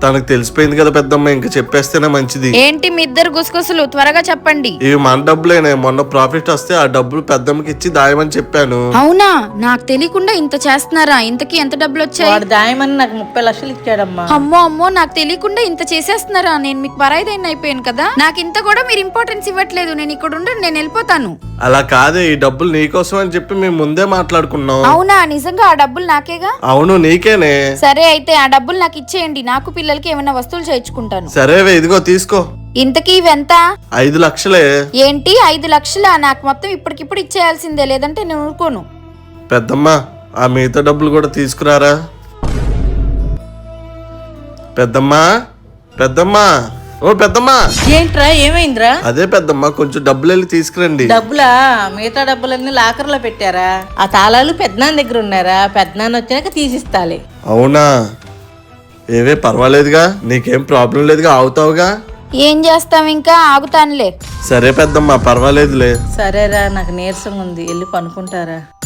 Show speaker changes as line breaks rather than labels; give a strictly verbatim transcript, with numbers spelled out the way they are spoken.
తనకు తెలిసిపోయింది కదా పెద్దమ్మ, ఇంకా చెప్పేస్తేనే మంచిది.
ఏంటి మీ ఇద్దరు గుసగుసలు, త్వరగా చెప్పండి.
ఇవి మన డబ్బులేనే, మొన్న ప్రాఫిట్ వస్తే ఆ డబ్బులు పెద్దమ్మకి ఇచ్చి దాయమని చెప్పాను.
అవునా, నాకు తెలియకుండా ఇంత చేస్తున్నారా? ఇంతకీ ఎంత డబ్బులు వచ్చాయి?
వాడు దాయమని నాకు ముప్పై లక్షలు ఇచ్చాడమ్మా.
అమ్మో అమ్మో, నాకు తెలియకుండా ఇంత చేసేస్తున్నారా? నేను మీకు పరాయిదైన అయిపోయాను కదా. నాకు ఇంత కూడా మీరు ఇంపార్టెన్స్ ఇవ్వట్లేదు. నేను ఇక్కడ ఉండి నేను వెళ్ళిపోతాను.
అలా కాదే, ఈ డబ్బులు నీకోసం అని చెప్పి మేము ముందే మాట్లాడుకున్నాం.
అవునా, నిజంగా ఆ డబ్బులు నాకేగా?
అవును నీకేనే.
సరే అయితే ఆ డబ్బులు నాకు ఇచ్చేయండి, నాకు పిల్లలకి ఏమైనా వస్తువులు చేయించుకుంటాను.
సరేవే, ఇదిగో తీసుకో.
ఇంతకీ ఇవెంత?
ఐదు లక్షలే.
ఏంటి ఐదు లక్షలా? నాకు మొత్తం ఇప్పటికిప్పుడు ఇచ్చేయాల్సిందే, లేదంటే నేను ఊరుకోను.
పెద్దమ్మ, ఆ మిగతా డబ్బులు కూడా తీసుకురారా. పెద్దమ్మా, పెద్దమ్మా, ఓ పెద్దమ్మా.
ఏంట్రా, ఏమైందిరా?
అదే పెద్దమ్మ, కొంచెం డబ్బులు వెళ్ళి తీసుకురండి.
డబ్బులా? మిగతా డబ్బులన్నీ లాకర్ లో పెట్టారా? ఆ తాళాలు పెద్దనాన్న దగ్గర ఉన్నారా? పెద్దనాన్న వచ్చాక తీసిస్తాలే.
అవునా, ఏవే పర్వాలేదుగా, నీకేం ప్రాబ్లం లేదుగా, అవుతావుగా.
ఏం చేస్తాం, ఇంకా ఆగుతానులే.
సరే పెద్దమ్మ, పర్వాలేదులే.
సరేరా, నాకు నీరసంగా ఉంది, వెళ్ళి పనుకుంటారా.